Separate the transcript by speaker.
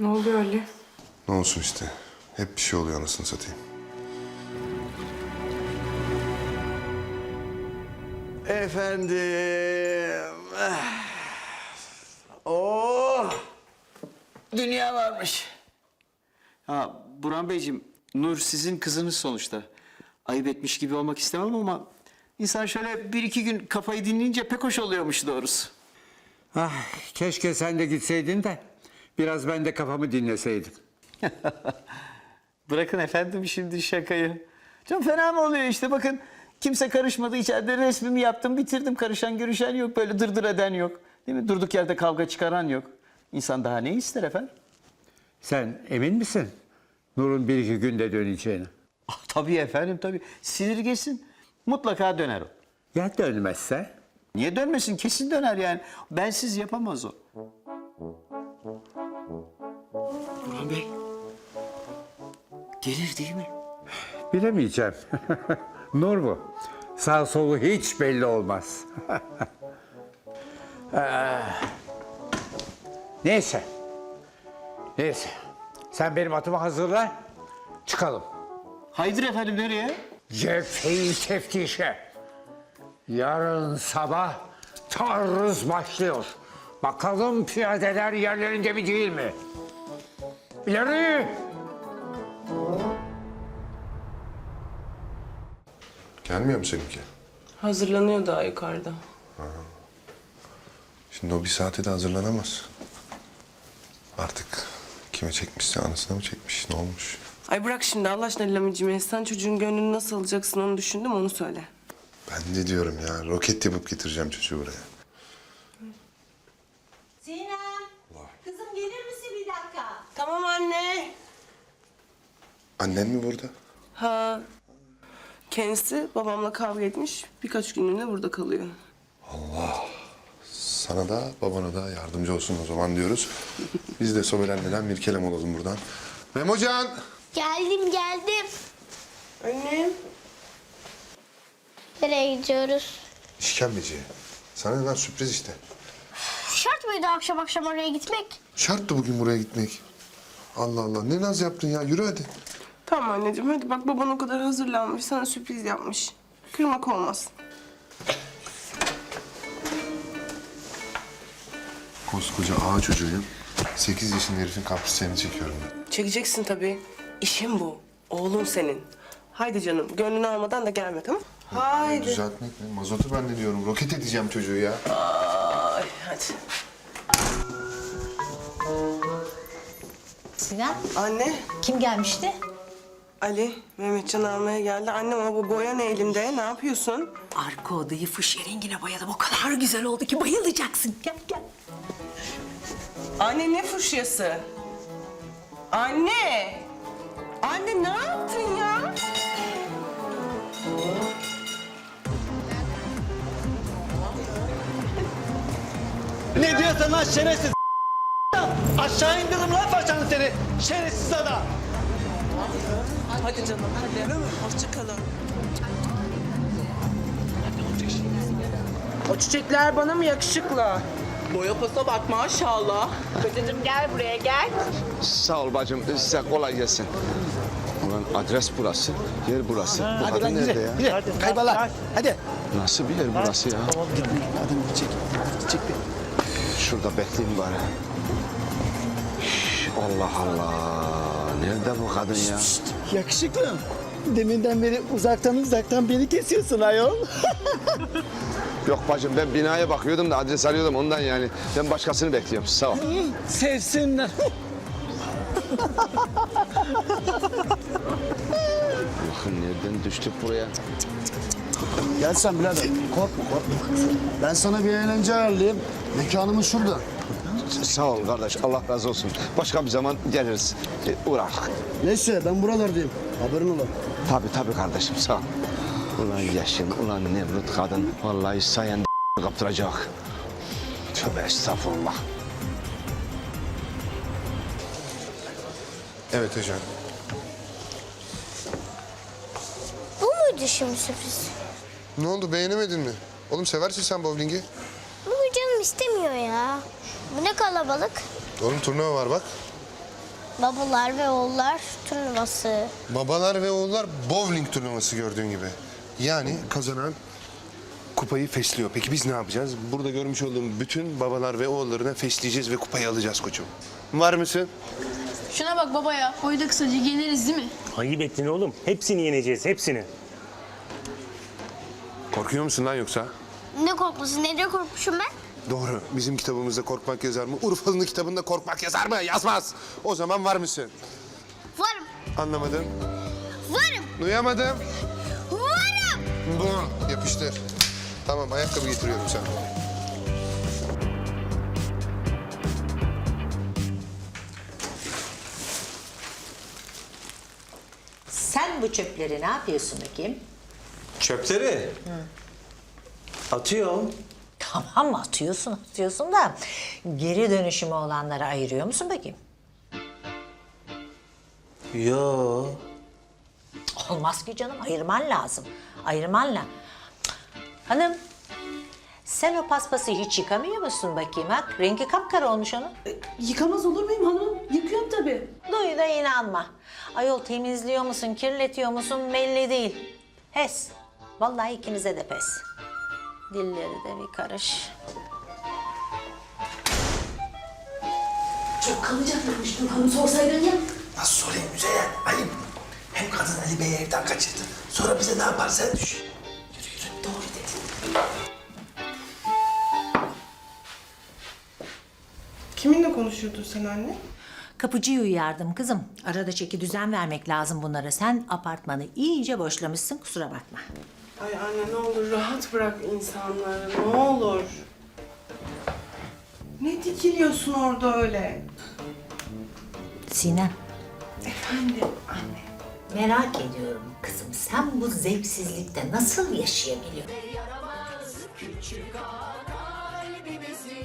Speaker 1: Ne oluyor Ali?
Speaker 2: Ne olsun işte. Hep bir şey oluyor anasını satayım.
Speaker 3: Efendim. Oh! Dünya varmış. Ha Burhan Beyciğim, Nur sizin kızınız sonuçta. Ayıp etmiş gibi olmak istemem ama insan şöyle bir iki gün kafayı dinleyince pek hoş oluyormuş doğrusu.
Speaker 4: Ah, keşke sen de gitseydin de biraz ben de kafamı dinleseydim.
Speaker 3: Bırakın efendim şimdi şakayı. Çok fena mı oluyor işte bakın. Kimse karışmadı içeride resmimi yaptım bitirdim. Karışan görüşen yok böyle dırdır eden yok. Değil mi? Durduk yerde kavga çıkaran yok. İnsan daha ne ister efendim?
Speaker 4: Sen emin misin Nur'un bir iki günde döneceğini?
Speaker 3: Ah, tabii efendim tabii. Sinir geçsin. Mutlaka döner o.
Speaker 4: Ya dönmezse?
Speaker 3: Niye dönmesin? Kesin döner yani. Bensiz yapamaz o. Burhan Bey. Gelir değil mi?
Speaker 4: Bilemeyeceğim. Nur bu. Sağ solu hiç belli olmaz. Neyse. Neyse. Sen benim atımı hazırla. Çıkalım.
Speaker 3: Haydır efendim nereye?
Speaker 4: Cepheyi teftişe. Yarın sabah taarruz başlıyor. Bakalım piyadeler yerlerinde mi değil mi? İleri!
Speaker 2: Gelmiyor mu seninki?
Speaker 1: Hazırlanıyor daha yukarıda.
Speaker 2: Şimdi o bir saate de hazırlanamaz. Artık kime çekmişse anasına mı çekmiş? Ne olmuş?
Speaker 1: Ay bırak şimdi Allah aşkına Lamicim. Sen çocuğun gönlünü nasıl alacaksın onu düşündüm onu söyle.
Speaker 2: Ben de diyorum ya. Roket yapıp getireceğim çocuğu buraya.
Speaker 5: Sinem, kızım gelir misin bir dakika?
Speaker 1: Tamam anne.
Speaker 2: Annen mi burada?
Speaker 1: Ha. Kendisi babamla kavga etmiş. Birkaç günlüğüne burada kalıyor.
Speaker 2: Sana da babana da yardımcı olsun o zaman diyoruz. Biz de sobelenmeden bir kelam olalım buradan. Memocan!
Speaker 5: Geldim.
Speaker 1: Annem.
Speaker 5: Nereye gidiyoruz?
Speaker 2: İşkembeciye. Sana neden sürpriz işte.
Speaker 5: Şart mıydı akşam akşam oraya gitmek?
Speaker 2: Şarttı bugün buraya gitmek. Allah Allah ne naz yaptın ya yürü hadi.
Speaker 1: Tamam anneciğim hadi bak baban o kadar hazırlanmış sana sürpriz yapmış. Kırmak olmaz.
Speaker 2: Koskoca ağa çocuğuyum. 8 yaşında herifin kaprislerini çekiyorum ben.
Speaker 1: Çekeceksin tabii. İşin bu. Oğlun senin. Haydi canım gönlünü almadan da gelme tamam mı? Haydi.
Speaker 2: Düzeltmek mi? Mazotu ben de diyorum. Roket edeceğim çocuğu ya.
Speaker 1: Ay hadi.
Speaker 5: Sinem,
Speaker 1: Anne.
Speaker 5: kim gelmişti?
Speaker 1: Ali, Mehmetcan'ı almaya geldi. Annem ama bu boya ne elinde? Ne yapıyorsun?
Speaker 6: Arka odayı fuşya rengine boyadım. O kadar güzel oldu ki bayılacaksın. Gel gel.
Speaker 1: Anne ne fuşyası? Anne! Anne ne yaptın ya?
Speaker 7: Ne diyorsun lan şerefsiz? Aşağı indiririm lan faşanı seni. Şerefsiz adam.
Speaker 1: Hadi canım hadi. Hoşça kalın. O çiçekler bana mı yakışıklı? Boya posa bak maşallah.
Speaker 5: Kocacığım gel buraya gel.
Speaker 8: Sağ ol bacım, size kolay gelsin. Ulan adres burası, yer burası. Bu kadın nerede ya?
Speaker 7: Hadi kaybola. Hadi.
Speaker 8: Nasıl bir yer burası ya?
Speaker 7: Tamam gitme. Hadi çek. Çek bir.
Speaker 8: Şurada bekleyeyim bari. Üf, Allah Allah. Nerede bu kadın ya?
Speaker 7: Yakışıklı. Deminden beri uzaktan beni kesiyorsun ayol.
Speaker 8: Yok bacım ben binaya bakıyordum da adres arıyordum ondan yani. Ben başkasını bekliyorum. Sağ ol.
Speaker 7: Sevsinler.
Speaker 8: Bakın nereden düştük buraya?
Speaker 9: Gel sen birader. Korkma. Ben sana bir eğlence ayarlayayım. Mekanımız şurada.
Speaker 8: Sağ ol kardeş. Allah razı olsun. Başka bir zaman geliriz. Uğrar.
Speaker 9: Neyse ben buralardayım. Haberin ola.
Speaker 8: Tabii kardeşim sağ ol. Ulan yaşın, ulan Nemrut kadın. Vallahi sayende kaptıracak. Tövbe estağfurullah.
Speaker 2: Evet Ecan.
Speaker 5: Bu muydu şimdi sürpriz?
Speaker 2: Ne oldu beğenemedin mi? Oğlum seversin sen bowling'i.
Speaker 5: Bugün canım istemiyor ya. Bu ne kalabalık.
Speaker 2: Oğlum turnuva var bak.
Speaker 5: Babalar ve oğullar turnuvası.
Speaker 2: Babalar ve oğullar bowling turnuvası gördüğün gibi. Yani kazanan kupayı fesliyor. Peki biz ne yapacağız? Burada görmüş olduğum bütün babalar ve oğullarına fesleyeceğiz ve kupayı alacağız koçum. Var mısın?
Speaker 10: Şuna bak baba ya. Boyda kısaca yeneriz değil mi?
Speaker 11: Ayıp ettin oğlum. Hepsini yeneceğiz, hepsini.
Speaker 2: Korkuyor musun lan yoksa?
Speaker 5: Ne korkması? Neden korkmuşum ben?
Speaker 2: Doğru. Bizim kitabımızda korkmak yazar mı? Urfalı'nın kitabında korkmak yazar mı? Yazmaz. O zaman var mısın?
Speaker 5: Varım.
Speaker 2: Anlamadım.
Speaker 5: Varım.
Speaker 2: Duyamadım.
Speaker 5: Varım.
Speaker 2: Bu. Yapıştır. Tamam, ayakkabı getiriyorum sana.
Speaker 6: Sen bu çöpleri ne yapıyorsun bakayım?
Speaker 8: Çöpleri. Atıyorum.
Speaker 6: Tamam atıyorsun da geri dönüşümü olanları ayırıyor musun bakayım?
Speaker 8: Yo.
Speaker 6: Olmaz ki canım, ayırman lazım. Ayırman lazım. Hanım, sen o paspası hiç yıkamıyor musun bakayım ha? Rengi kapkara olmuş onun.
Speaker 10: Yıkamaz olur muyum hanım? Yıkıyorum tabii.
Speaker 6: Duy da inanma. Ayol temizliyor musun, kirletiyor musun belli değil. Pes. Vallahi ikinize de pes. Dilleri de bir karış.
Speaker 10: Çok kalacaklarmış hanım sorsaydın ya.
Speaker 8: Nasıl sorayım Müzeyyen? Ayıp. Hem kadın Ali Bey'i evden kaçırdı. Sonra bize ne yapar sen düş. Yürü yürü. Doğru dedin.
Speaker 1: Kiminle konuşuyordun sen anne?
Speaker 6: Kapıcıyı uyardım kızım. Arada çeki düzen vermek lazım bunlara. Sen apartmanı iyice boşlamışsın, kusura bakma.
Speaker 1: Ay anne ne olur rahat bırak insanları, ne olur. Ne dikiliyorsun orada öyle?
Speaker 6: Sinem,
Speaker 1: Efendim anne.
Speaker 6: merak ediyorum kızım. Sen bu zevksizlikte nasıl yaşayabiliyorsun?